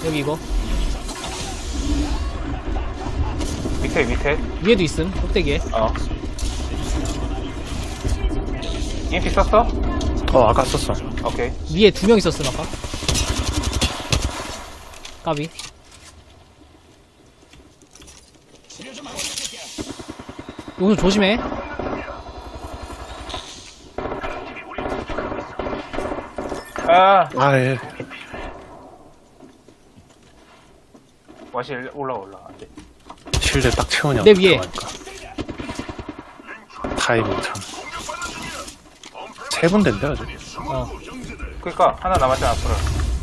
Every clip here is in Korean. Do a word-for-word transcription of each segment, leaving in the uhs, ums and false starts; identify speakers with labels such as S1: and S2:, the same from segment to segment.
S1: 여기 이거
S2: 밑에 밑에
S1: 위에도 있음. 꼭대기에.
S2: 어 이엠피 썼어?
S3: 어 아까 썼어.
S2: 오케이.
S1: 위에 두 명 있었음 아까. 까비. 이거 좀 조심해.
S2: 아
S3: 아예
S2: 와시 올라 올라 안돼.
S3: 실드 딱 채우냐.
S1: 내 위에.
S3: 타이밍 참. 세 군데인데 아직.
S1: 어.
S2: 그니까 하나 남았잖아 앞으로.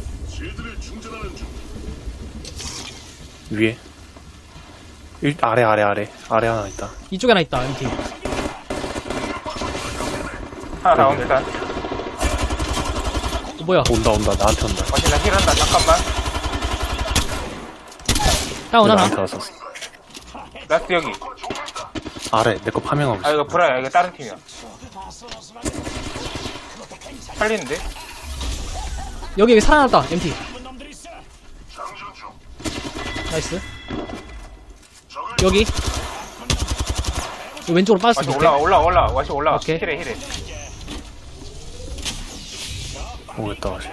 S3: 위에. 일, 아래 아래 아래 아래 하나 있다.
S1: 이쪽에 하나 있다. 엠티.
S2: 하나 나온 일단.
S1: 어, 뭐야?
S3: 온다 온다 나한테 온다.
S2: 와시 나 힐한다 잠깐만.
S1: 다운 하나.
S3: 나한테 왔었어.
S2: 라스트 여기.
S3: 아래 내 거 파밍하고
S2: 아
S3: 있어.
S2: 이거 브라야 이거 다른 팀이야. 살리는데?
S1: 여기 여기 살아났다. 엠티. 나이스. 여기. 여기 왼쪽으로
S2: 와시
S1: 빠졌어.
S2: 올라와 올라와 올라와 와시 올라와.
S1: 오케이.
S2: 힐해 힐해.
S3: 오겠다 다시.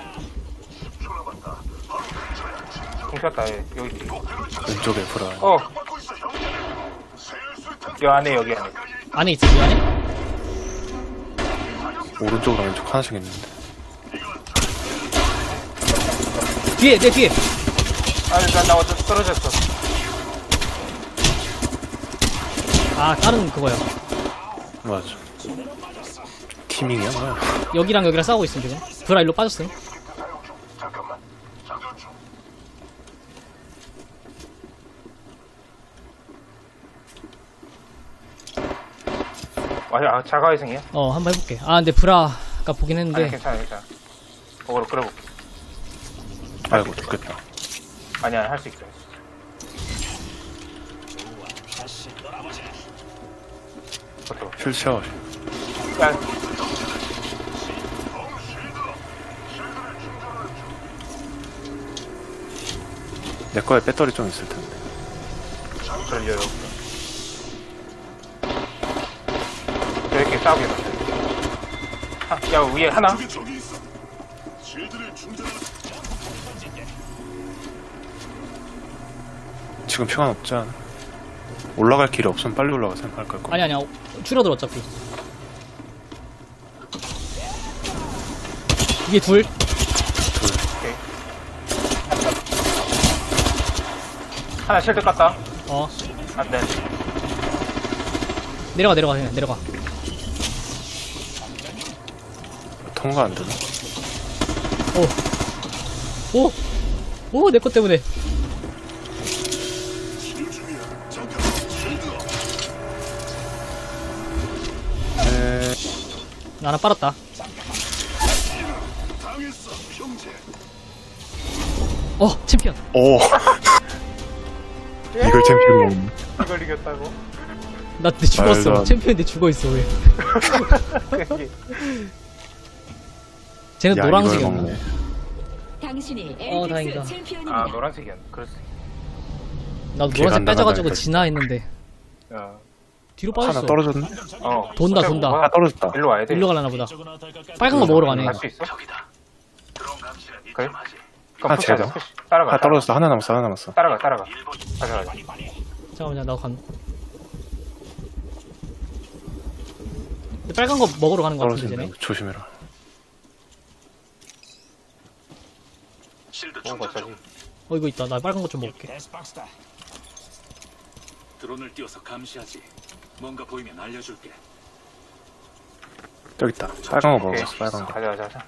S2: 공쳤다 얘. 여기 뒤.
S3: 왼쪽에 브라.
S2: 어. 여 안에 여기 안에.
S1: 안에 있어. 이 안에?
S3: 오른쪽으로 왼쪽 하나씩 있는데.
S1: 뒤에 내 뒤에.
S2: 아나 나 떨어졌어.
S1: 아 다른 그거야.
S3: 맞아. 티밍이야 뭐야.
S1: 여기랑 여기랑 싸우고 있음 지금. 브라 일로 빠졌음.
S2: 아 자가회생이야?
S1: 어 한번 해볼게. 아 근데 브라가 보긴
S2: 아니
S1: 했는데.
S2: 괜찮아 괜찮아. 그거로 끌어볼게.
S3: 아이고 죽겠다.
S2: 아니야 할 수 있어. 버텨.
S3: 실 채워.
S2: 야
S3: 내 거에 배터리 좀 있을 텐데.
S2: 걸려요. 저렇게 싸우게 만들. 아, 야 위에 하나.
S3: 지금 시간 없지 않아? 올라갈 길이 없으면 빨리 올라가 생각할 걸.
S1: 아니 아니야. 줄어들어 어차피. 이게 둘.
S2: 오케이. 하나 실드 깠다.
S1: 어
S2: 안돼.
S1: 내려가 내려가 그냥 내려가.
S3: 통과 안 되나?
S1: 오. 오 내 것 때문에.
S3: 에...
S1: 나 하나 빨았다. 어 챔피언.
S3: 오. 이걸 챔피언 먹는.
S2: 이걸 이겼다고?
S1: 나 근데 죽었어.
S3: 말도 안-
S1: 챔피언인데 죽어있어 왜. 쟤는
S3: 야,
S1: 노란색이었나?
S3: 이걸 먹네.
S4: 당신이
S1: 어, 다행이다.
S4: 엘픽스 챔피언입니다.
S2: 아 노란색이었네. 그랬어.
S1: 나도
S3: 걔가
S1: 노란색
S3: 안
S1: 빼져가지고
S3: 나가다니까,
S1: 지나 했는데
S2: 야.
S1: 뒤로
S3: 하나
S1: 빠졌어.
S3: 떨어졌네?
S2: 어.
S1: 돈다, 돈다.
S3: 하나 떨어졌다.
S2: 일로 와야 돼.
S1: 일로 가려나 보다. 빨간 거 먹으러 가네.
S2: 갈 수 있어? 그래? 그럼
S3: 하나
S2: 푸시하자,
S3: 제거.
S2: 푸시. 따라가.
S3: 하나 떨어졌어. 하나 남았어. 하나 남았어.
S2: 따라가 따라가. 가자 가자.
S1: 잠깐만요, 나도 간. 근데 빨간 거 먹으러 가는 거 같은데
S3: 떨어진다.
S1: 쟤네.
S3: 조심해라.
S2: 먹은 거 어쩌지?
S1: 어 이거 있다. 나 빨간 거 좀 먹을게.
S5: 데스박스다. 드론을 띄워서 감시하지. 뭔가 보이면 알려줄게.
S3: 저기 있다. 빨간 거
S2: 오케이.
S3: 먹었어. 빨간 거.
S2: 가자 가자 가자.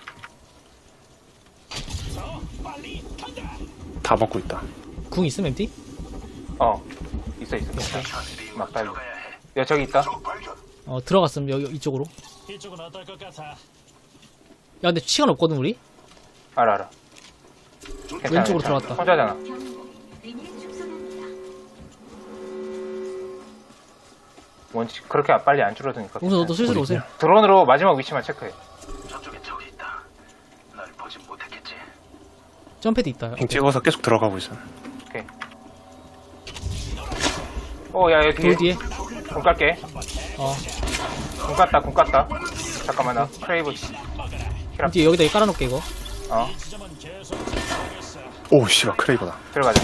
S3: 다 먹고 있다.
S1: 궁 있음 엠티?
S2: 어. 있어 있어. 막 달려. 야 저기 있다.
S1: 어 들어갔음 여기 이쪽으로.
S5: 이쪽은 어떨 것 같아?
S1: 야 근데 시간 없거든 우리?
S2: 알아 알아. 괜찮아,
S1: 왼쪽으로
S2: 괜찮아.
S1: 들어갔다.
S2: 혼자잖아. 뭔지 그렇게 빨리 안 줄어드니까.
S1: 웅서 너도 슬슬
S3: 우리
S1: 오세요.
S2: 드론으로 마지막 위치만 체크해.
S5: 저쪽에 적이 있다. 날 보진 못했겠지.
S1: 점패드 있다.
S3: 핑 찍어서 계속 들어가고 있어.
S2: 오케이. 오, 야, 여기
S1: 돌
S2: 뒤에.
S1: 뒤에.
S2: 공 깔게.
S1: 어.
S2: 공 깠다, 공 깠다. 잠깐만, 나 크레이브.
S1: 돌 뒤에 여기다 깔아놓을게, 이거.
S2: 어,
S3: 오, 씨발, 크레이버다.
S2: 들어가자.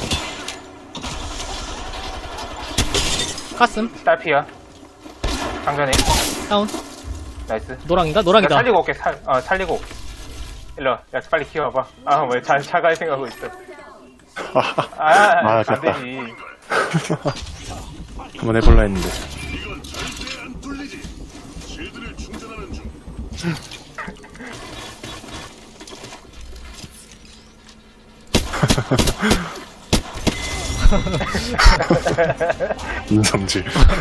S1: 가슴.
S2: 딸피야. 장전해.
S1: 다운.
S2: 나이스.
S1: 노랑인가?
S2: 야,
S1: 노랑이다.
S2: 살리고 올게, 살, 어, 살리고. 일로 와. 야, 빨리 키워봐. 아, 왜 잘, 차갈 생각하고 있어. 아,
S3: 아,
S2: 안
S3: 됐다.
S2: 되지.
S3: 한번 해볼라 했는데. 인성질.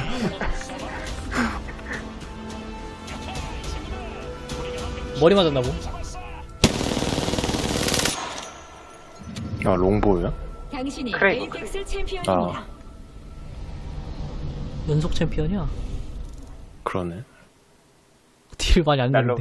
S1: 머리 맞았나 보.
S3: 아, 롱보우야?
S4: 당신이
S2: 크레이브,
S4: 에이펙스 챔피언입니다.
S3: 아,
S1: 연속 챔피언이야.
S3: 그러네.
S1: 딜 많이 안
S2: 날로,